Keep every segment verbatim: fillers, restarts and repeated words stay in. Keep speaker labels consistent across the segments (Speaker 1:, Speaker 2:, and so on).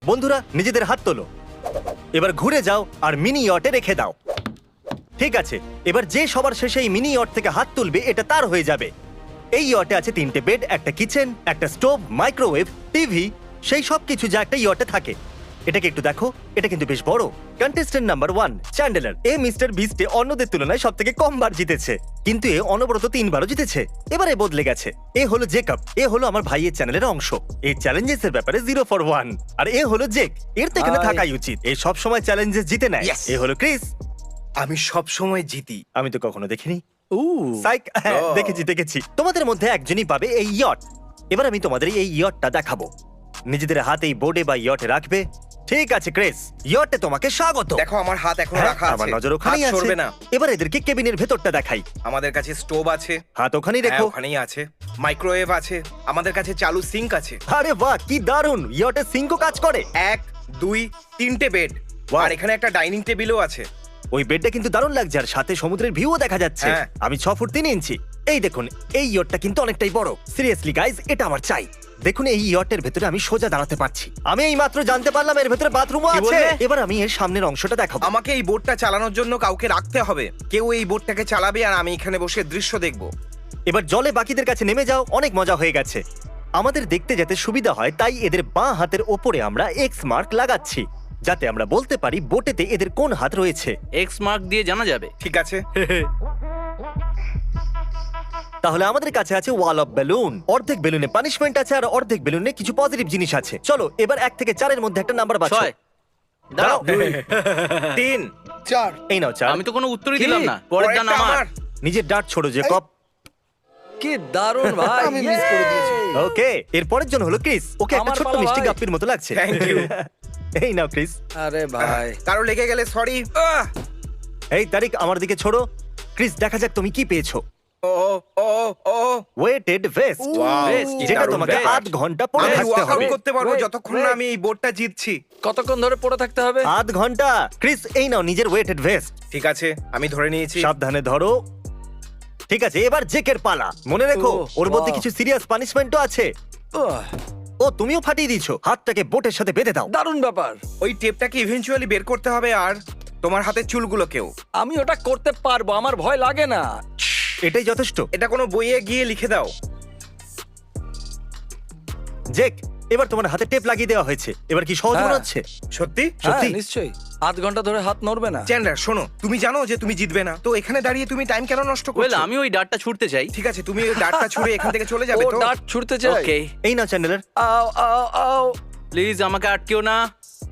Speaker 1: বন্ধুরা নিজেদের হাত তোলো, এবার ঘুরে যাও আর মিনি ইয়টে রেখে দাও। ঠিক আছে, এবার যে সবার শেষে এই মিনি ইয়ট থেকে হাত তুলবে এটা তার হয়ে যাবে। এই ইয়টে আছে তিনটে বেড, একটা কিচেন, একটা স্টোভ, মাইক্রোওয়েভ, টিভি, সেই সব কিছু যা একটা ইয়টে থাকে। এটাকে একটু দেখো, এটা কিন্তু বেশ বড়। Contestant number one Chandler. এ মিস্টার বিস্টে অন্যদের তুলনায় সব থেকে কম বার জিতেছে, কিন্তু এ অনবরত তিনবারও জিতেছে। এবারে বদলে গেছে। এ হলো জেকব, এ হলো আমার ভাইয়ের চ্যানেলের অংশ। এই চ্যালেঞ্জেস এর ব্যাপারে জিরো ফর ওয়ান। আর এ হলো জেক, এর তো এখানে
Speaker 2: Hi.
Speaker 1: থাকাই উচিত। এ সব সময় চ্যালেঞ্জেস জিতে নেয়।
Speaker 3: Yes.
Speaker 1: এ হলো ক্রিস।
Speaker 3: আমি সব সময় জিতি।
Speaker 1: আমি তো কখনো দেখিনি।
Speaker 2: উ
Speaker 1: সাইক, হ্যাঁ,
Speaker 3: Oh.
Speaker 1: দেখেছি দেখেছি। তোমাদের মধ্যে একজনই পাবে এই ইয়ট। এবার আমি তোমাদের এই ইয়টটা দেখাবো। নিজেদের হাত এই বোর্ডে বা ইয়টে রাখবে। ঠিক আছে ক্রিস, ইয়টে তোমাকে স্বাগত।
Speaker 3: দেখো আমার হাত এখনো
Speaker 1: হ্যাঁ,
Speaker 3: রাখা
Speaker 1: আমার
Speaker 3: আছে।
Speaker 1: নজর ওখানেই
Speaker 3: হাত
Speaker 1: আছে।
Speaker 3: সরবে না।
Speaker 1: এবার এদেরকে কেবিনের ভেতরটা দেখাই।
Speaker 3: আমাদের কাছে স্টোভ আছে,
Speaker 1: হাত ওখানেই
Speaker 3: হ্যাঁ
Speaker 1: রেখো।
Speaker 3: ওখানেই আছে। মাইক্রোওয়েভ আছে, আমাদের কাছে চালু সিঙ্ক আছে।
Speaker 1: আরে বাহ, কি দারুণ! ইয়টে সিঙ্কও কাজ করে।
Speaker 3: এক দুই তিনটে বেড,
Speaker 1: Wow.
Speaker 3: আর এখানে একটা ডাইনিং টেবিলও আছে।
Speaker 1: ওই বেডটা কিন্তু দারুণ লাগছে, আর সাথে সমুদ্রের ভিউও দেখা যাচ্ছে।
Speaker 3: হ্যাঁ।
Speaker 1: আমি ছ ফুট তিন ইঞ্চি। এই দেখুন, এই ইয়টটা কিন্তু অনেকটাই বড়। সিরিয়াসলি গাইজ, এটা আমার চাই। দেখুন, এই ইয়টের ভেতরে আমি সোজা দাঁড়াতে পারছি। আমি এই মাত্র জানতে পারলাম এর ভেতরে বাথরুমও
Speaker 3: কি
Speaker 1: আছে।
Speaker 3: বললে?
Speaker 1: এবার আমি এর সামনের অংশটা দেখাবো।
Speaker 3: আমাকে এই বোটটা চালানোর জন্য কাউকে রাখতে হবে। কেউ এই বোটটাকে চালাবে আর আমি এখানে বসে দৃশ্য দেখব।
Speaker 1: এবার জলে বাকিদের কাছে নেমে যাও। অনেক মজা হয়ে গেছে। আমাদের দেখতে যাতে সুবিধা হয় তাই এদের বাঁ হাতের ওপরে আমরা এক্স মার্ক লাগাচ্ছি, যাতে আমরা বলতে পারি বোটেতে এদের কোন হাত রয়েছে।
Speaker 4: এক্স মার্ক দিয়ে জানা যাবে।
Speaker 3: ঠিক আছে।
Speaker 1: তাহলে আমাদের কাছে আছে ওয়াল অফ বেলুন। অর্ধেক বেলুনে পানিশমেন্ট আছে আর অর্ধেক বেলুনে কিছু পজিটিভ জিনিস আছে। চলো এবার এক থেকে চারের মধ্যে একটা নাম্বার বাছো।
Speaker 4: ছয়। দাঁড়াও,
Speaker 3: তিন
Speaker 2: চার
Speaker 1: এই নাও চার।
Speaker 4: আমি তো কোনো উত্তরই
Speaker 3: কি?
Speaker 4: দিলাম না। পরের দান
Speaker 3: পরেরটা
Speaker 4: আমার।
Speaker 1: নিজের ডাট ছোড়ো জেকব।
Speaker 2: কি দারুণ ভাই
Speaker 5: আমি মিস করে দিয়েছি।
Speaker 1: ওকে, এর পরের জন হলো ক্রিস। ওকে একটা
Speaker 2: আমার
Speaker 1: ছোট্ট
Speaker 2: পালা
Speaker 1: মিষ্টি
Speaker 2: ভাই।
Speaker 1: গাপ্পির মতো লাগছে।
Speaker 3: Thank you.
Speaker 1: এই নাও ক্রিস।
Speaker 2: আরে ভাই
Speaker 3: কারো লেগে গেলে সরি।
Speaker 1: এই তারিক, আমার দিকে ছোড়ো। ক্রিস, দেখা যাক তুমি কি পেয়েছো।
Speaker 3: ও ও ও
Speaker 1: ওয়েটেড ভেস্ট,
Speaker 3: Wow,
Speaker 4: Vest,
Speaker 3: কি
Speaker 1: যেটা
Speaker 3: দারুণ
Speaker 1: তোমাকে
Speaker 3: ব্যাপার।
Speaker 1: আধ ঘন্টা পরে
Speaker 3: আমি
Speaker 1: থাকতে
Speaker 3: ওয়ার্কআউট
Speaker 1: হবে।
Speaker 3: করতে পারবো
Speaker 2: Wait,
Speaker 3: যতক্ষণ না
Speaker 2: wait.
Speaker 3: আমি এই বোটটা জিতছি।
Speaker 2: কতক্ষণ ধরে পড়ে থাকতে হবে?
Speaker 1: আধ ঘন্টা। ক্রিস, এই নাও নিজের ওয়েটেড ভেস্ট।
Speaker 3: ঠিক আছে, আমি ধরে নিয়েছি।
Speaker 1: সাবধানে ধরো। ঠিক আছে, এবার জেকের পালা। মনে রেখো,
Speaker 2: Oh,
Speaker 1: ওর মধ্যে
Speaker 2: wow.
Speaker 1: কিছু সিরিয়াস পানিশমেন্টও আছে।
Speaker 2: উহ,
Speaker 1: ও, তুমিও ফাটিয়ে দিয়েছো। হাতটাকে বোটের সাথে বেঁধে দাও।
Speaker 2: দারুণ ব্যাপার।
Speaker 3: ওই টেপটাকে ইভেন্চুয়ালি বের করতে হবে, আর তোমার হাতের চুলগুলোকেও।
Speaker 2: আমি ওটা করতে পারবো, আমার ভয় লাগে না।
Speaker 1: এটাই যথেষ্ট।
Speaker 3: এটা কোনো বইয়ে গিয়ে লিখে দাও।
Speaker 1: জেক, এবার তোমার হাতে টেপ লাগিয়ে দেওয়া হয়েছে। এবার কি সহজ মনে
Speaker 2: হ্যাঁ।
Speaker 1: হচ্ছে?
Speaker 3: সত্যি?
Speaker 2: হ্যাঁ
Speaker 1: সত্যি?
Speaker 2: নিশ্চয়ই, আধ ঘন্টা ধরে হাত নড়বে না।
Speaker 3: চ্যান্ডলার শোনো, তুমি জানো যে তুমি জিতবে না, তো এখানে দাঁড়িয়ে তুমি টাইম কেন নষ্ট
Speaker 4: ওয়েল,
Speaker 3: করছো?
Speaker 4: আমি ওই ডাটটা ছুটতে চাই।
Speaker 3: ঠিক আছে, তুমি ওই ডাটটা ছুঁড়ে এখান থেকে চলে যাবে
Speaker 2: ও
Speaker 3: তো।
Speaker 2: ডাট ছুটতে চাই।
Speaker 4: ওকে,
Speaker 1: এই নাও চ্যান্ডেলার।
Speaker 2: আও আও আও
Speaker 4: প্লিজ আমাকে আটকেও না।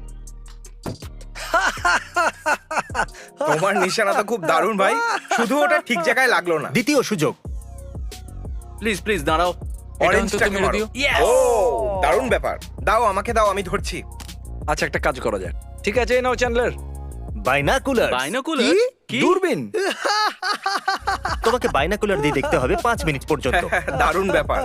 Speaker 3: তোমার নিশানা তো খুব দারুণ ভাই, শুধু ওটা ঠিক জায়গায় লাগলো না।
Speaker 1: দ্বিতীয় সুযোগ।
Speaker 4: প্লিজ প্লিজ দাঁড়াও। এটা অন্তত
Speaker 3: অরেঞ্জটাকে
Speaker 4: মেরে
Speaker 3: মারো।
Speaker 4: দিও। Yes!
Speaker 3: ও দারুণ ব্যাপার। দাও আমাকে দাও, আমি ধরছি।
Speaker 2: আচ্ছা একটা কাজ করা যাক। ঠিক আছে, এই নাও চ্যান্ডলার।
Speaker 1: বাইনাকুলার।
Speaker 4: বাইনোকুলার? কি?
Speaker 2: দূরবীন।
Speaker 1: তোমাকে বাইনাকুলার দিয়ে দেখতে হবে পাঁচ মিনিট পর্যন্ত।
Speaker 3: দারুণ ব্যাপার।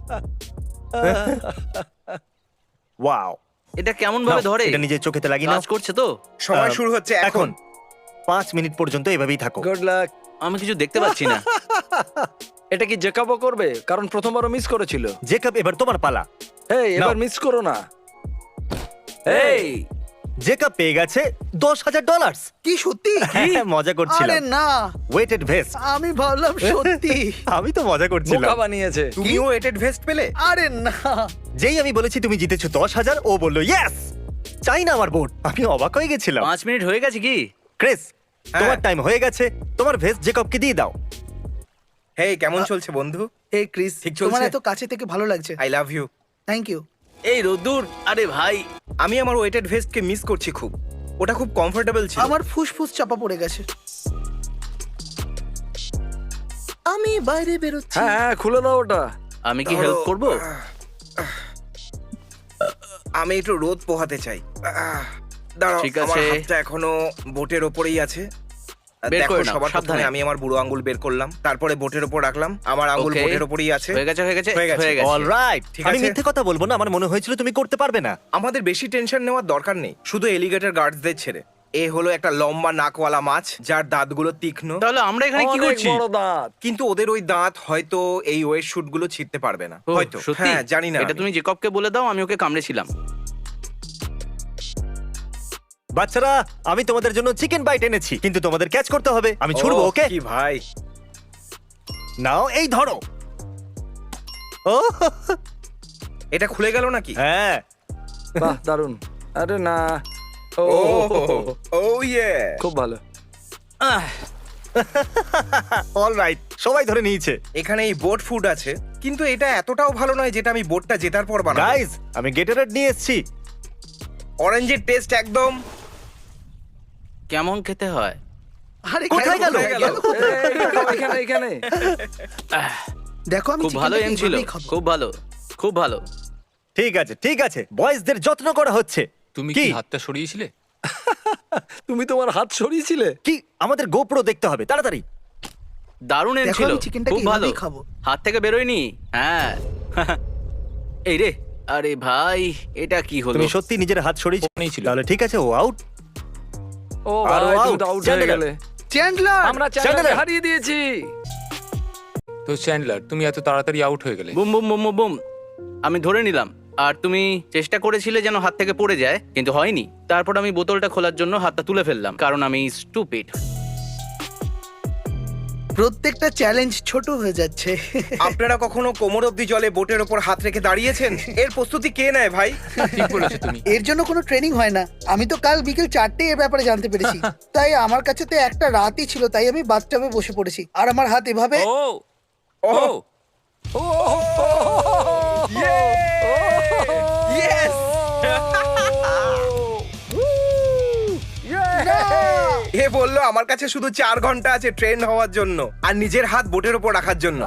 Speaker 1: ওয়াও।
Speaker 4: এটা কেমন ভাবে
Speaker 1: নাও,
Speaker 4: ধরে?
Speaker 1: এটা নিজের চোখেতে লাগিয়ে নাও।
Speaker 4: কাজ করছে তো?
Speaker 3: সময়
Speaker 1: আহ,
Speaker 3: শুরু হচ্ছে এখন।
Speaker 1: এখন পাঁচ মিনিট পর্যন্ত এভাবেই থাকো।
Speaker 2: Good luck.
Speaker 4: আমি কিছু দেখতে পাচ্ছি না।
Speaker 2: এটা কি জেকাবও করবে? কারণ প্রথমবারও মিস করেছিল।
Speaker 1: জেকব, এবার তোমার পালা।
Speaker 2: এই এবার
Speaker 1: নাও।
Speaker 2: মিস করো না। এই
Speaker 1: জেকব পেয়ে গেছে দশ হাজার ডলার।
Speaker 5: কি সত্যি?
Speaker 1: মজা
Speaker 5: আরে
Speaker 1: করছিলাম।
Speaker 5: না,
Speaker 1: ওয়েটেড ভেস্ট।
Speaker 5: আমি ভাবলাম সত্যি।
Speaker 1: আমি তো মজা করছিলাম।
Speaker 2: বোকা বানিয়েছে।
Speaker 3: তুমিও এটেড ভেস্ট পেলে?
Speaker 5: আরে না,
Speaker 1: যেই আমি বলেছি তুমি জিতেছো দশ হাজার, ও বললো ইয়েস। চাই না আমার বোট। আমি অবাক হয়ে গেছিলাম।
Speaker 4: পাঁচ মিনিট হয়ে গেছে কি?
Speaker 1: ক্রিস,
Speaker 3: হ্যাঁ।
Speaker 1: তোমার টাইম হয়ে গেছে। তোমার ভেস্ট জেকবকে দিয়ে দাও।
Speaker 3: হেই, কেমন চলছে বন্ধু?
Speaker 5: এই ক্রিস,
Speaker 3: ঠিক চলছে?
Speaker 5: তোমার এত কাছে থেকে ভালো লাগছে।
Speaker 3: I love you.
Speaker 5: Thank you.
Speaker 4: এই রোদ্দুর, আরে ভাই।
Speaker 3: আমি আমার ওয়েটেড ভেস্টকে মিস করছি খুব। ওটা খুব কমফোর্টেবল ছিল।
Speaker 5: আমার ফুসফুস চাপা পড়ে গেছে। আমি বাইরে বেরোচ্ছি।
Speaker 2: হ্যাঁ হ্যাঁ, খুলে দাও ওটা।
Speaker 4: আমি কি হেল্প করব?
Speaker 3: আমি একটু রোদ পোহাতে চাই। আহ, দাঁড়াও,
Speaker 4: ঠিক
Speaker 3: আমার
Speaker 4: আছে।
Speaker 3: হাতটা এখনো বোটের ওপরেই আছে।
Speaker 4: বের
Speaker 3: দেখো,
Speaker 4: করে নাও,
Speaker 3: সবার প্রথমে
Speaker 4: সাবধানে।
Speaker 3: আমি আমার বুড়ো আঙ্গুল বের করলাম, তারপরে বোটের ওপর রাখলাম। আমার আঙ্গুল
Speaker 4: Okay.
Speaker 3: বোটের ওপরেই আছে।
Speaker 4: হয়ে গেছে হয়ে গেছে
Speaker 3: হয়ে গেছে।
Speaker 4: হয়ে গেছে।
Speaker 1: অলরাইট,
Speaker 3: ঠিক
Speaker 1: আমি
Speaker 3: আছে।
Speaker 1: মিথ্যে কথা বলবো না। আমার মনে হয়েছিল তুমি করতে পারবে না।
Speaker 3: আমাদের বেশি টেনশন নেওয়ার দরকার নেই, শুধু এলিগেটর গার্ডসদের ছেড়ে। এ হলো একটা লম্বা নাকওয়ালা মাছ যার দাঁতগুলো তীক্ষ্ণ,
Speaker 4: তাহলে আমরা এখানে কি
Speaker 2: অনেক
Speaker 4: করছি?
Speaker 2: বড় দাঁত।
Speaker 3: কিন্তু ওদের ওই দাঁত হয়তো এই ওয়েট শুট গুলো ছিঁড়তে পারবে না।
Speaker 4: ও,
Speaker 3: হয়তো,
Speaker 4: সত্যি?
Speaker 3: হ্যাঁ জানি না।
Speaker 4: এটা
Speaker 3: আমি।
Speaker 4: তুমি জেকবকে বলে দাও, আমি ওকে কামড়েছিলাম।
Speaker 1: বাচ্চারা আমি তোমাদের জন্য চিকেন বাইট এনেছি, কিন্তু তোমাদের ক্যাচ করতে হবে। আমি ছুড়বো,
Speaker 3: ওহ,
Speaker 1: ওকে?
Speaker 3: কি ভাই,
Speaker 1: নাও এই ধরো। ও
Speaker 3: এটা খুলে গেল নাকি?
Speaker 1: হ্যাঁ,
Speaker 2: বাহ দারুন। আরে না, ও
Speaker 3: ও ও ইয়ে,
Speaker 2: খুব ভালো।
Speaker 1: অলরাইট, সবাই ধরে নিয়েছে।
Speaker 3: এখানে এই বোট ফুড আছে, কিন্তু এটা এতটাও ভালো নয় যেটা আমি বোটটা জেতার পর বানাবো।
Speaker 1: গাইজ, আমি গেটারেড নিয়ে এসেছি।
Speaker 3: অরেঞ্জের টেস্ট একদম।
Speaker 4: কেমন খেতে হয়?
Speaker 5: আরে
Speaker 1: কোথায় গেল?
Speaker 5: কোথায় গেল?
Speaker 2: এই, এখানে এখানে
Speaker 5: দেখো আমি
Speaker 4: খুব ভালো
Speaker 5: চিকেনটাকে
Speaker 4: এম ছিল,
Speaker 5: এইভাবেই খাবো।
Speaker 4: খুব ভালো, খুব ভালো।
Speaker 1: ঠিক আছে, ঠিক আছে, বয়েজদের যত্ন করা হচ্ছে।
Speaker 6: তুমি
Speaker 1: কি?
Speaker 6: কি হাতটা সরিয়েছিলে?
Speaker 2: তুমি তোমার হাত সরিয়েছিলে?
Speaker 1: কি আমাদের গোপ্রো দেখতে হবে, তাড়াতাড়ি।
Speaker 4: দারুণ এম
Speaker 5: দেখো,
Speaker 4: ছিল,
Speaker 5: আমি চিকেনটাকে
Speaker 4: খুব ভালো।
Speaker 5: এইভাবেই খাবো।
Speaker 4: হাত থেকে বেরোয়নি। হ্যাঁ। এই রে, আরে ভাই, এটা কি হলো?
Speaker 1: তুমি সত্যি নিজের হাত সরিয়েছো?
Speaker 6: ওখানেই ছিল।
Speaker 1: তাহলে ঠিক আছে, ও আউট।
Speaker 2: ও
Speaker 1: আরো
Speaker 2: ভাই, তুমি
Speaker 1: out,
Speaker 2: তো আউট হয়ে
Speaker 1: চ্যান্ডেলার।
Speaker 2: গেলে।
Speaker 5: চ্যান্ডলার,
Speaker 2: আমরা
Speaker 1: চ্যান্ডেলার।
Speaker 2: চ্যান্ডেলার হারিয়ে দিয়েছি।
Speaker 6: তো চ্যান্ডলার, তুমি এত তাড়াতাড়ি আউট হয়ে গেলে?
Speaker 4: Boom boom boom boom boom. আমি ধরে নিলাম, আর তুমি চেষ্টা করেছিলে যেন হাত থেকে পড়ে যায়, কিন্তু হয়নি। তারপর আমি বোতলটা খোলার জন্য হাতটা তুলে ফেললাম, কারণ আমি স্টুপিড।
Speaker 5: প্রত্যেকটা চ্যালেঞ্জ ছোট হয়ে যাচ্ছে।
Speaker 3: আপনারা কখনো কোমর অব্দি জলে বোটের ওপর হাত রেখে দাঁড়িয়েছেন? এর প্রস্তুতি কে নেয় ভাই?
Speaker 6: ঠিক বলেছো তুমি।
Speaker 5: এর জন্য কোনো ট্রেনিং হয় না। আমি তো কাল বিকেল চারটে এ ব্যাপারে জানতে পেরেছি। তাই আমার কাছে তো একটা রাতই ছিল, তাই আমি বাথটাবে বসে পড়েছি আর আমার হাত এভাবে।
Speaker 6: ও ও
Speaker 2: ও
Speaker 3: Yes! এ বললো আমার কাছে শুধু চার ঘন্টা আছে ট্রেন হওয়ার জন্য আর নিজের হাত বোটের ওপর রাখার জন্য।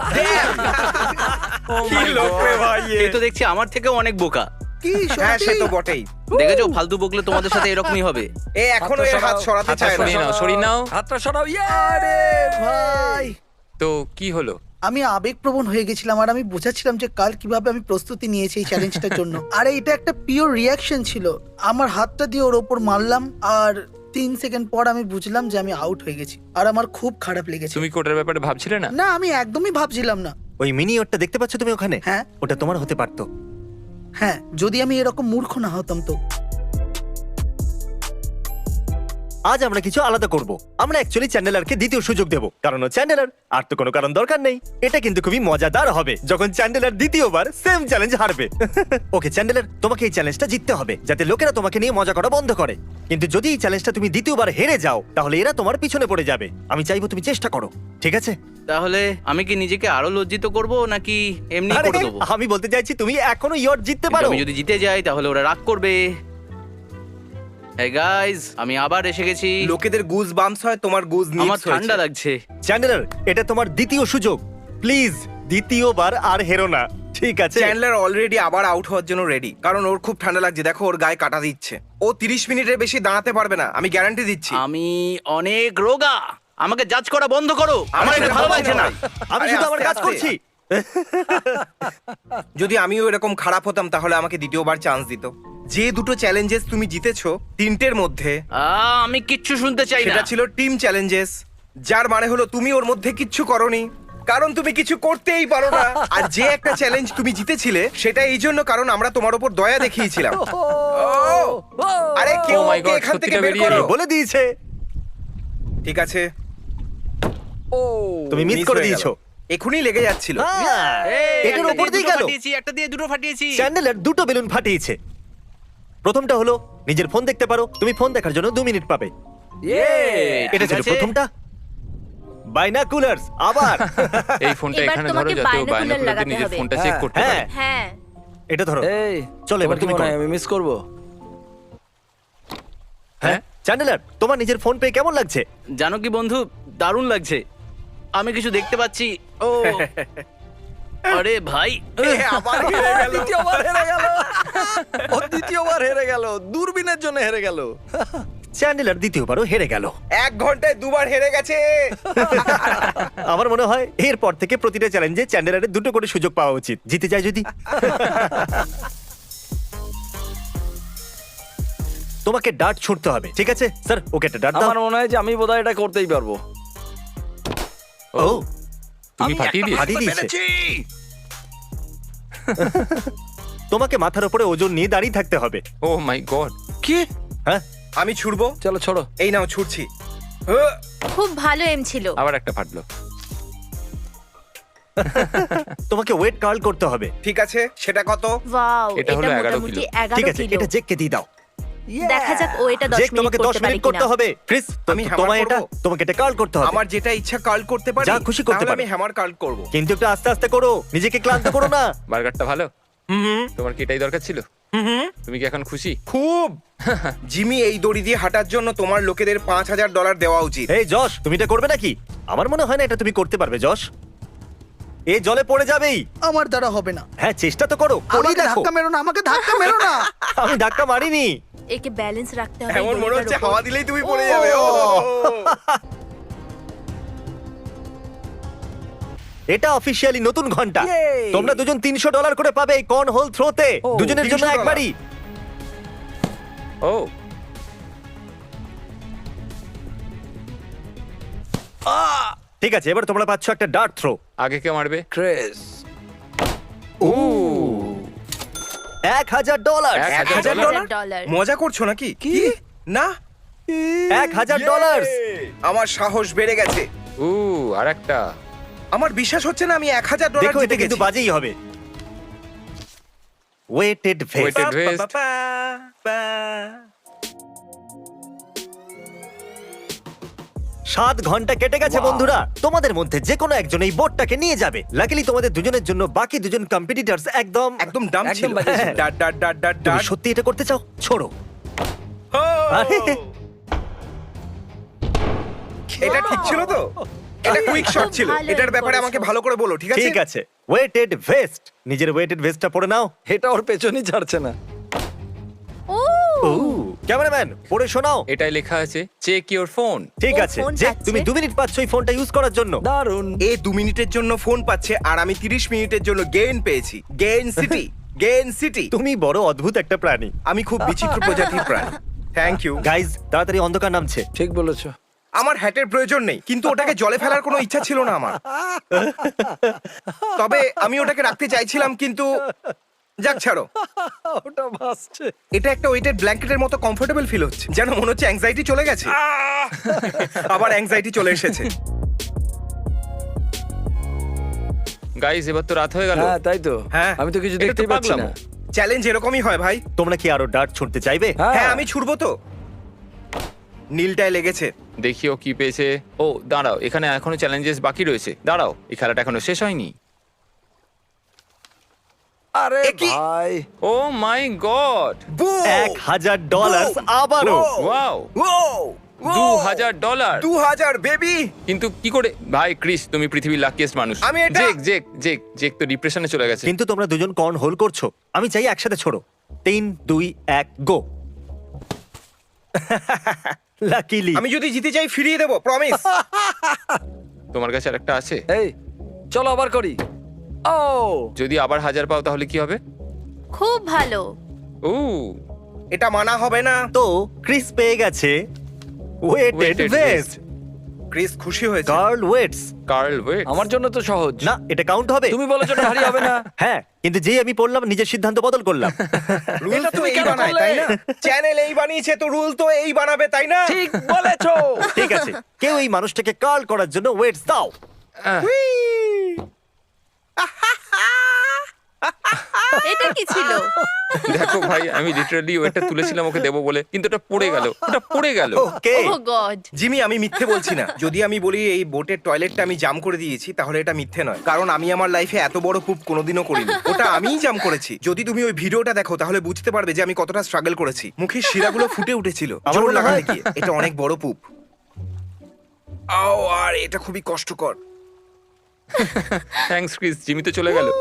Speaker 3: কি লোক রে ভাই এ।
Speaker 4: এ তো দেখছি আমার থেকেও অনেক বোকা।
Speaker 5: কি
Speaker 3: হ্যাঁ, সে
Speaker 5: সত্যি?
Speaker 3: তো বটেই।
Speaker 4: দেখেছো, ফালতু বকলে তোমাদের সাথে এরকমই হবে।
Speaker 3: এ এখনো এর হাত সরাতে
Speaker 6: হাতটা
Speaker 3: চায় না।
Speaker 6: সরিয়ে নাও, সরিয়ে নাও।
Speaker 2: হাতটা সরাও। ইয়ে!
Speaker 5: আরে ভাই,
Speaker 6: তো কি হলো?
Speaker 5: আমি আবেগপ্রবণ হয়ে গেছিলাম আর আমি বোঝাচ্ছিলাম যে কাল কিভাবে আমি প্রস্তুতি নিয়েছি এই চ্যালেঞ্জটার জন্য। আরে এটা একটা পিওর রিয়াকশন ছিল। আমার হাতটা দিয়ে ওর ওপর মারলাম আর তিন সেকেন্ড পর আমি বুঝলাম যে আমি আউট হয়ে গেছি আর আমার খুব খারাপ লেগেছে।
Speaker 6: তুমি কোটার ব্যাপারে ভাবছিলে না?
Speaker 5: না, আমি একদমই ভাবছিলাম না।
Speaker 1: ওই মিনি ইয়টটা দেখতে পাচ্ছ তুমি ওখানে?
Speaker 5: হ্যাঁ।
Speaker 1: ওটা তোমার হতে পারতো।
Speaker 5: হ্যাঁ, যদি আমি এরকম মূর্খ না হতাম তো।
Speaker 1: আজ আমরা কিছু আলাদা করব। আমরা অ্যাকচুয়ালি চ্যান্ডেলারকে দ্বিতীয় সুযোগ দেব, কারণ ও চ্যান্ডেলার। আর তো কোনো কারণ দরকার নেই। এটা কিন্তু খুবই মজাদার হবে যখন চ্যান্ডেলার দ্বিতীয়বার সেম চ্যালেঞ্জ হারবে। ওকে চ্যান্ডেলার, তোমাকে এই চ্যালেঞ্জটা জিততে হবে যাতে লোকেরা তোমাকে নিয়ে মজা করা বন্ধ করে। কিন্তু যদি এই চ্যালেঞ্জটা তুমি দ্বিতীয়বার হেরে যাও, তাহলে এরা তোমার পিছনে পড়ে যাবে। আমি চাইবো তুমি চেষ্টা করো, ঠিক আছে?
Speaker 4: তাহলে আমি কি নিজেকে আরো লজ্জিত করব নাকি এমনি
Speaker 1: আরে,
Speaker 4: করে দেবো?
Speaker 1: আমি বলতে চাইছি তুমি এখনো ইয়ট জিততে
Speaker 4: কিন্তু
Speaker 1: পারো।
Speaker 4: আমি যদি জিতে যাই তাহলে ওরা রাগ করবে। Hey guys, আমি আবার এসে গেছি।
Speaker 3: লোকেদের গুজ বাম্পস হয়, তোমার গুজ
Speaker 4: আমার
Speaker 3: নিডস
Speaker 4: ঠান্ডা
Speaker 3: হয়েছে।
Speaker 4: লাগছে।
Speaker 1: চ্যান্ডেলার, এটা তোমার দ্বিতীয় সুযোগ। প্লিজ দ্বিতীয়বার আর হেরো না, ঠিক আছে?
Speaker 3: চ্যান্ডলার অলরেডি আবার আউট হওয়ার জন্য রেডি, কারণ ওর খুব ঠান্ডা লাগছে। দেখো, ওর গায়ে কাটা দিচ্ছে। ও তিরিশ মিনিটের বেশি দাঁড়াতে পারবে না, আমি গ্যারান্টি দিচ্ছি।
Speaker 4: আমি অনেক রোগা, আমাকে জাজ করা বন্ধ করো। আমার এটা ভালো লাগছে না।
Speaker 1: আমি
Speaker 3: আরে,
Speaker 1: শুধু আমার
Speaker 3: আস্তে,
Speaker 1: কাজ
Speaker 3: আস্তে।
Speaker 1: করছি।
Speaker 3: যদি আমিও এরকম খারাপ হতাম তাহলে আমাকে দ্বিতীয়বার চান্স দিত। যে দুটো চ্যালেঞ্জেস তুমি জিতেছো তিনটের মধ্যে,
Speaker 4: আহ, আমি কিচ্ছু শুনতে চাই না।
Speaker 3: সেটা ছিল টিম চ্যালেঞ্জেস, যার মানে হলো তুমি ওর মধ্যে কিচ্ছু করনি, কারণ তুমি কিছু করতেই পারো না। আর যে একটা চ্যালেঞ্জ তুমি জিতেছিলে সেটা এই জন্য কারণ আমরা তোমার উপর দয়া দেখিয়েছিলাম। ও, আরে কেউ
Speaker 6: Oh my
Speaker 3: ওকে
Speaker 6: God,
Speaker 3: এখান থেকে
Speaker 6: সত্যিটা
Speaker 3: বের
Speaker 6: বেরিয়ে
Speaker 3: করো।
Speaker 6: এলো।
Speaker 1: বলে দিয়েছে,
Speaker 3: ঠিক আছে,
Speaker 2: ও
Speaker 1: তুমি মিস
Speaker 3: miss
Speaker 1: করে
Speaker 3: হয়ে গেল।
Speaker 1: দিয়েছো।
Speaker 3: এখুনি লেগে যাচ্ছিল।
Speaker 1: হ্যাঁ,
Speaker 4: এই,
Speaker 1: এটার
Speaker 4: একটা
Speaker 1: উপর
Speaker 4: দিয়ে
Speaker 1: দিয়ে
Speaker 4: দুটো
Speaker 1: গেল।
Speaker 4: ফাটিয়েছি, একটা দিয়ে দুটো ফাটিয়েছি।
Speaker 1: চ্যান্ডেলার দুটো বেলুন ফাটিয়েছে। প্রথমটা হলো নিজের ফোন দেখতে পারো, তুমি ফোন দেখার জন্য দু মিনিট পাবে।
Speaker 2: ইয়ে!
Speaker 1: এটা
Speaker 4: ঠিক
Speaker 1: ছিল
Speaker 4: আছে।
Speaker 1: প্রথমটা। বাইনাকুলার্স আবার।
Speaker 6: এই ফোনটা
Speaker 7: এবার
Speaker 6: এখানে ধরো
Speaker 7: তোমাকে
Speaker 6: যাতে ও
Speaker 7: binocular
Speaker 6: বাইনোকুলার দিয়ে
Speaker 7: লাগাতে
Speaker 6: নিজের
Speaker 7: হবে।
Speaker 6: ফোনটা চেক
Speaker 2: হ্যাঁ,
Speaker 6: করতে
Speaker 1: হ্যাঁ,
Speaker 6: পারে।
Speaker 7: হ্যাঁ,
Speaker 1: এটা ধরো।
Speaker 2: এই
Speaker 1: চলো, এবার
Speaker 2: তোমার কি
Speaker 1: তুমি
Speaker 2: মনে হয়
Speaker 1: করো।
Speaker 2: আমি মিস করব?
Speaker 1: হ্যাঁ, চ্যান্ডেলার, তোমার নিজের ফোন পেয়ে কেমন লাগছে?
Speaker 4: জানো কি বন্ধু, দারুণ লাগছে। আমি কিছু দেখতে পাচ্ছি। ও আরে ভাই,
Speaker 3: এ, আবার হেরে গেল।
Speaker 2: দ্বিতীয়বার হেরে গেল। ও দ্বিতীয়বার হেরে গেল, দূরবীনের জন্য হেরে গেল।
Speaker 1: চ্যান্ডেলার দ্বিতীয়বারও হেরে গেল।
Speaker 3: এক ঘন্টায় দুবার হেরে গেছে।
Speaker 1: আমার মনে হয় এরপর থেকে প্রতিটা চ্যালেঞ্জে চ্যান্ডেলারের দুটো করে সুযোগ পাওয়া উচিত, জিতে যায় যদি। তোমাকে ডার্ট ছুঁড়তে হবে, ঠিক আছে? স্যার, ওকে একটা ডার্ট দাও।
Speaker 2: আমার মনে হয় যে আমি বোধহয় এটা করতেই পারবো।
Speaker 1: ও,
Speaker 6: তুমি ফাটিয়ে দিয়েছো?
Speaker 1: ফাটিয়ে দিয়েছে। তোমাকে মাথার উপরে ওজন নিয়ে দাঁড়িয়ে থাকতে হবে।
Speaker 6: Oh my god.
Speaker 2: কি?
Speaker 1: হ্যাঁ,
Speaker 3: আমি ছুড়বো।
Speaker 2: চলো ছোড়ো।
Speaker 3: এই নাও ছুটছি। আহ!
Speaker 7: খুব ভালো এম ছিল।
Speaker 6: আবার একটা ফাটলো।
Speaker 1: তোমাকে ওয়েট কার্ল করতে হবে।
Speaker 3: ঠিক আছে, সেটা কত?
Speaker 7: ওয়াও,
Speaker 6: এটা
Speaker 7: এটা
Speaker 6: হলো এগারো
Speaker 7: মোটামুটি
Speaker 6: কিলো।
Speaker 7: এগারো
Speaker 1: ঠিক আছে,
Speaker 7: কিলো।
Speaker 1: এটা জেককে দিয়ে দাও।
Speaker 7: দেখা যাক ও এটা দশ
Speaker 1: জেক
Speaker 7: মিনিট
Speaker 1: তোমাকে দশ
Speaker 7: করতে পারে
Speaker 1: মিনিট করতে
Speaker 7: কিনা।
Speaker 1: হবে। ক্রিস
Speaker 3: আমি
Speaker 1: তো-
Speaker 3: hammer
Speaker 1: তোমায় এটা
Speaker 3: করবো?
Speaker 1: তোমাকে এটা কার্ল করতে হবে।
Speaker 3: আমার যেটা ইচ্ছা কার্ল করতে পারি,
Speaker 1: যা খুশি করতে
Speaker 3: তাহলে
Speaker 1: পারো।
Speaker 3: আমি হ্যামার কার্ল করব।
Speaker 1: কিন্তু একটু আস্তে আস্তে করো, নিজেকে ক্লান্ত করো না।
Speaker 6: বার্গারটা ভালো?
Speaker 3: হুম
Speaker 6: তোমার কি এটাই দরকার ছিল?
Speaker 3: হুম
Speaker 6: তুমি কি এখন খুশি?
Speaker 3: খুব। জিমি, এই দড়ি দিয়ে হাঁটার জন্য তোমার লোকেদের পাঁচ হাজার ডলার দেওয়া উচিত।
Speaker 1: এই যশ, তুমি এটা করবে নাকি? আমার মনে হয় না এটা তুমি করতে পারবে যশ। এই জলে পড়ে যাবেই।
Speaker 5: আমার দ্বারা হবে না।
Speaker 1: হ্যাঁ, চেষ্টা তো করো, করেই
Speaker 5: আমাকে
Speaker 1: দেখো।
Speaker 5: ধাক্কা মেরো না, আমাকে ধাক্কা মেরো না।
Speaker 1: আমি ধাক্কা মারিনি।
Speaker 7: একে ব্যালেন্স রাখতে হবে।
Speaker 3: এমন
Speaker 7: এই
Speaker 3: মনে
Speaker 7: দড়িটার
Speaker 3: হচ্ছে
Speaker 7: উপর।
Speaker 3: হাওয়া দিলেই তুমি পড়ে যাবে। ও
Speaker 1: এটা অফিসিয়ালি নতুন ঘন্টা।
Speaker 2: Yay!
Speaker 1: তোমরা দুজন তিনশো ডলার করে পাবে এই কর্ন হোল থ্রোতে।
Speaker 2: ও,
Speaker 1: দুজনের জন্য
Speaker 3: তিনশো
Speaker 1: একবারই।
Speaker 6: ও
Speaker 1: ঠিক আছে, এবার তোমরা পাচ্ছ একটা ডার্ট থ্রো।
Speaker 6: আগে কে মারবে?
Speaker 2: ক্রেস।
Speaker 1: ও এক হাজার ডলার।
Speaker 6: এক
Speaker 3: এক
Speaker 6: হাজার
Speaker 3: হাজার
Speaker 7: এক হাজার
Speaker 3: ডলার?
Speaker 7: ডলার।
Speaker 3: মজা করছো নাকি?
Speaker 2: কি?
Speaker 3: না,
Speaker 1: এক হাজার ডলার।
Speaker 3: আমার সাহস বেড়ে গেছে।
Speaker 6: উ আর একটা।
Speaker 3: আমার বিশ্বাস হচ্ছে না আমি এক হাজার ডলার
Speaker 1: দেখো,
Speaker 3: জিতে
Speaker 1: এটা কিন্তু
Speaker 3: গেছি।
Speaker 1: বাজেই হবে। Weighted vest.
Speaker 6: Weighted vest।
Speaker 3: পা, পা, পা।
Speaker 1: সাত ঘন্টা কেটে গেছে বন্ধুরা। তোমাদের মধ্যে যে কোনো একজন এই বোটটাকে নিয়ে যাবে। লাকিলি তোমাদের দুজনের জন্য বাকি দুজন কম্পিটিটরস একদম
Speaker 3: একদম ডাম
Speaker 2: একদম
Speaker 3: ছিল।
Speaker 2: বাজে ছিল।
Speaker 3: ডাট ডাট ডাট ডাট
Speaker 1: তুমি
Speaker 3: ডাট।
Speaker 1: সত্যি এটা করতে চাও? ছোড়ো।
Speaker 3: ও!
Speaker 1: আরে!
Speaker 3: এটা ঠিক ছিল তো? এটা কুইক শট
Speaker 7: খুব
Speaker 3: ছিল।
Speaker 7: ভালো
Speaker 3: এটার ব্যাপারে
Speaker 7: করেছো।
Speaker 3: আমাকে ভালো করে বলো, ঠিক আছে?
Speaker 1: ঠিক আছে, ওয়েটেড ভেস্ট। নিজের ওয়েটেড ভেস্টটা পরে নাও।
Speaker 2: এটা ওর পেছনই ছাড়ছে না।
Speaker 7: ও
Speaker 1: ও ক্যামেরাম্যান, পড়ে শোনাও।
Speaker 6: এটাই লেখা আছে চেক ইওর ফোন।
Speaker 1: ঠিক
Speaker 7: ও
Speaker 1: আছে,
Speaker 7: ফোন
Speaker 1: যে
Speaker 7: পাচ্ছে।
Speaker 1: তুমি দু মিনিট পাচ্ছ এই ফোনটা ইউজ করার জন্য।
Speaker 2: দারুন।
Speaker 3: এ দু মিনিটের জন্য ফোন পাচ্ছে আর আমি তিরিশ মিনিটের জন্য গেইন পেয়েছি। Gain city, gain city.
Speaker 1: তুমি বড় অদ্ভুত একটা প্রাণী।
Speaker 3: আমি খুব বিচিত্র প্রজাতির প্রাণী। Thank you.
Speaker 1: গাইজ, তাড়াতাড়ি অন্ধকার নামছে।
Speaker 2: ঠিক বলেছো।
Speaker 3: আমার হ্যাটের প্রয়োজন নেই, কিন্তু ওটাকে জলে ফেলার কোনো ইচ্ছা ছিল না আমার। তবে আমি ওটাকে রাখতে চাইছিলাম, কিন্তু যাক ছাড়ো।
Speaker 2: ওটা ভাসছে।
Speaker 3: এটা একটা ওয়েটেড ব্ল্যাঙ্কেটের মতো কমফোর্টেবল ফিল হচ্ছে, যেন মনে হচ্ছে অ্যাংজাইটি চলে গেছে। আবার অ্যাংজাইটি চলে এসেছে।
Speaker 6: গাইস, এবার তো রাত হয়ে গেল।
Speaker 2: হ্যাঁ তাই তো।
Speaker 3: হ্যাঁ।
Speaker 2: আমি তো কিছু
Speaker 6: এটা তো
Speaker 2: দেখতেই পাচ্ছি না।
Speaker 6: পাগলামো।
Speaker 3: চ্যালেঞ্জ এরকমই হয় ভাই।
Speaker 1: তোমরা কি আরো ডার্ট ছুটতে চাইবে?
Speaker 3: হ্যাঁ, আমি ছুড়বো তো। নীলটায় লেগেছে।
Speaker 6: দেখি ও কি পেয়েছে। ও দাঁড়াও, এখানে এখনো চ্যালেঞ্জেস বাকি রয়েছে। দাঁড়াও, এই খেলাটা এখনো শেষ হয়নি।
Speaker 2: আরে
Speaker 3: এ কি?
Speaker 2: ভাই।
Speaker 6: Oh my god!
Speaker 3: Boom!
Speaker 1: এক হাজার ডলার আবারও।
Speaker 3: Wow!
Speaker 6: ওয়াও!
Speaker 3: Wow!
Speaker 6: দু হাজার ডলার!
Speaker 3: দু হাজার বেবি।
Speaker 6: কিন্তু কি করে? ভাই ক্রিস, তুমি পৃথিবীর লাকিয়েস্ট মানুষ।
Speaker 3: আমি এটা-
Speaker 6: জেক জেক জেক জেক তো ডিপ্রেশনে চলে গেছে।
Speaker 1: কিন্তু তোমরা দুজন কর্ন হোল করছো। আমি চাই একসাথে ছোড়ো। তিন দুই এক গো। লাকিলি
Speaker 3: আমি যদি জিতে যাই ফিরিয়ে দেবো, প্রমিস।
Speaker 6: তোমার কাছে আরেকটা আছে?
Speaker 2: এই চলো আবার করি। ও
Speaker 6: যদি আবার হাজার পাও তাহলে কি হবে?
Speaker 7: খুব ভালো।
Speaker 6: ও
Speaker 3: এটা মানা হবে না।
Speaker 1: তো ক্রিস পেয়ে গেছে weighted
Speaker 6: Weighted
Speaker 1: vest.
Speaker 6: vest।
Speaker 3: Chris খুশি হয়েছে।
Speaker 1: Carl weights.
Speaker 6: Carl weight.
Speaker 2: আমার জন্য তো সহজ।
Speaker 1: না, এটা কাউন্ট হবে।
Speaker 2: তুমি বলেছো না ভারী হবে না।
Speaker 1: হ্যাঁ, কিন্তু যেই আমি পড়লাম নিজের সিদ্ধান্ত বদল করলাম।
Speaker 3: রুল
Speaker 2: এটা
Speaker 3: তো
Speaker 2: তুমি
Speaker 3: এই
Speaker 2: কেন
Speaker 3: বানায়,
Speaker 2: করলে?
Speaker 3: তাই না? চ্যানেল এই বানিয়েছে, তো রুল তো এই বানাবে, তাই না?
Speaker 2: ঠিক বলেছো।
Speaker 1: ঠিক আছে, কেউ এই মানুষটাকে কার্ল করার জন্য ওয়েটস দাও।
Speaker 6: আহ,
Speaker 7: এটা কি ছিল?
Speaker 6: দেখো ভাই, আমি লিটারালি ওটা তুলেছিলাম ওকে দেবো বলে, কিন্তু ওটা পড়ে গেল। ওটা পড়ে গেল।
Speaker 1: ওকে,
Speaker 7: ও গড।
Speaker 3: জিমি, আমি মিথ্যে বলছি না। যদি আমি বলি এই বোটের টয়লেটটা আমি জাম করে দিয়েছি, তাহলে এটা মিথ্যে নয়, কারণ আমি আমার লাইফে এত বড় পুপ কোনোদিনও করিনি। ওটা আমিই জাম করেছি। যদি তুমি ওই ভিডিওটা দেখো তাহলে বুঝতে পারবে যে আমি কতটা স্ট্রাগল করেছি। মুখের শিরাগুলো ফুটে উঠেছিল
Speaker 1: আমার
Speaker 3: জোর
Speaker 1: মনে
Speaker 3: লাগাতে
Speaker 1: হয়-
Speaker 3: গিয়ে। এটা অনেক বড় পুপ। আও, আর এটা খুবই কষ্টকর।
Speaker 6: থ্যাঙ্কস ক্রিস, জিমি তো চলে গেল।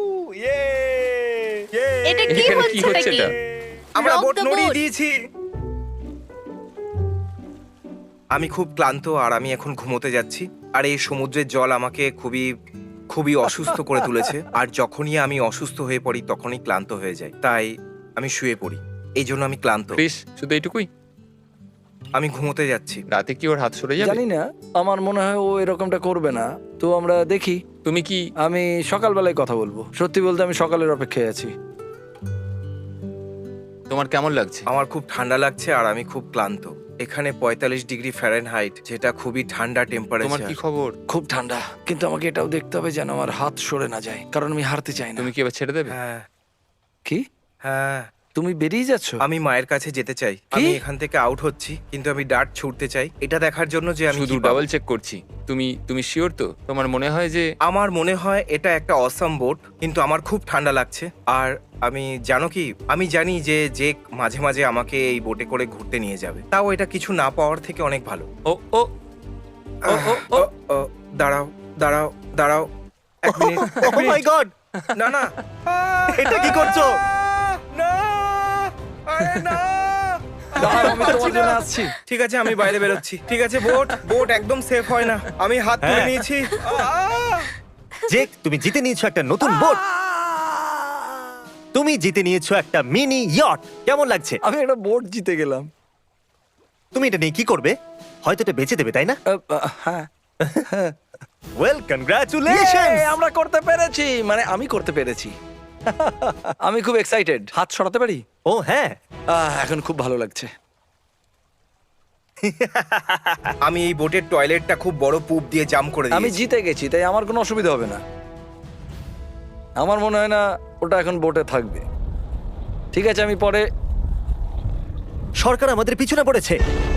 Speaker 7: এটা কি
Speaker 6: এখানে কি
Speaker 7: হচ্ছে
Speaker 6: হচ্ছে
Speaker 7: নাকি?
Speaker 6: এটা?
Speaker 3: আমরা
Speaker 7: Rock
Speaker 3: বোট
Speaker 7: the
Speaker 3: নড়িয়ে
Speaker 7: boat.
Speaker 3: দিয়েছি। আমি খুব ক্লান্ত আর আমি এখন ঘুমোতে যাচ্ছি। আর এই সমুদ্রের জল আমাকে খুবই খুবই অসুস্থ করে তুলেছে। আর যখনই আমি অসুস্থ হয়ে পড়ি তখনই ক্লান্ত হয়ে যাই, তাই আমি শুয়ে পড়ি। এই জন্য আমি ক্লান্ত।
Speaker 6: ক্রিস, শুধু এইটুকুই?
Speaker 3: আমি ঘুমোতে যাচ্ছি।
Speaker 6: রাতে কি ওর হাত সরে যাবে?
Speaker 2: জানি না, আমার মনে হয় ও এরকমটা করবে না। তো আমরা দেখি।
Speaker 6: তুমি কি
Speaker 2: আমি সকালবেলায় কথা বলবো। সত্যি বলতে আমি সকালের অপেক্ষায় আছি।
Speaker 6: তোমার কেমন লাগছে?
Speaker 3: আমার খুব ঠান্ডা লাগছে আর আমি খুব ক্লান্ত। এখানে পঁয়তাল্লিশ ডিগ্রি ফ্যারেনহাইট, যেটা খুবই ঠান্ডা
Speaker 6: তোমার
Speaker 3: টেম্পারেচার।
Speaker 6: কি খবর?
Speaker 2: খুব ঠান্ডা, কিন্তু আমাকে এটাও দেখতে হবে যেন আমার হাত সরে না যায়, কারণ আমি হারতে চাই না।
Speaker 6: তুমি কি এবার ছেড়ে দেবে?
Speaker 3: হ্যাঁ
Speaker 2: কি?
Speaker 3: হ্যাঁ,
Speaker 2: তুমি বেরিয়ে যাচ্ছ?
Speaker 3: আমি মায়ের কাছে যেতে চাই। আমি এখান থেকে আউট হচ্ছি, কিন্তু আমি ডার্ট ছুটতে চাই, এটা দেখার জন্য যে আমি
Speaker 6: শুধু
Speaker 3: কি পাবো।
Speaker 6: ডাবল চেক করছি। তুমি তুমি শিওর তো? তোমার মনে হয় যে
Speaker 3: আমার মনে হয় এটা একটা অসাম বোট, কিন্তু আমার খুব ঠান্ডা লাগছে। আর আমি জানো কি, আমি জানি যে যে মাঝে মাঝে আমাকে এই বোটে করে ঘুরতে নিয়ে যাবে, তাও এটা কিছু না পাওয়ার থেকে অনেক ভালো।
Speaker 6: ও ও ও ও ও
Speaker 3: ও, ও, দাঁড়াও দাঁড়াও দাঁড়াও এক মিনিট, এক
Speaker 1: ও মাই
Speaker 3: মিনিট।
Speaker 1: গড,
Speaker 3: না না,
Speaker 1: এটা কি করছো?
Speaker 3: না, আরে না।
Speaker 2: দাঁড়াও, আমি তোমার জন্য আসছি।
Speaker 3: ঠিক আছে, আমি বাইরে বেরোচ্ছি। ঠিক আছে, বোট বোট একদম সেফ হয় না। আমি হাত তুলে
Speaker 1: হ্যাঁ।
Speaker 3: নিয়েছি। আহ!
Speaker 1: জেক, তুমি জিতে নিয়েছো একটা নতুন বোট। তুমি জিতে নিয়েছো একটা মিনি ইয়ট। কেমন লাগছে?
Speaker 2: আমি একটা বোট জিতে গেলাম।
Speaker 1: তুমি এটা নিয়ে কি করবে? হয়তো এটা বেচে দেবে, তাই না?
Speaker 2: আহ, আহ, হ্যাঁ।
Speaker 1: Well, congratulations.
Speaker 2: Yay, আমরা করতে পেরেছি, মানে আমি করতে পেরেছি। আমি খুব এক্সাইটেড। হাত সরাতে পারি?
Speaker 1: ও হ্যাঁ,
Speaker 2: আহ, এখন খুব ভালো লাগছে।
Speaker 3: আমি এই বোটের টয়লেটটা খুব বড় পুপ দিয়ে জাম করে
Speaker 2: আমি
Speaker 3: দিয়েছি।
Speaker 2: জিতে গেছি, তাই আমার কোনো অসুবিধা হবে না। আমার মনে হয় না ওটা এখন বোটে থাকবে। ঠিক আছে, আমি পরে
Speaker 1: সরকার আমাদের পিছনে পড়েছে।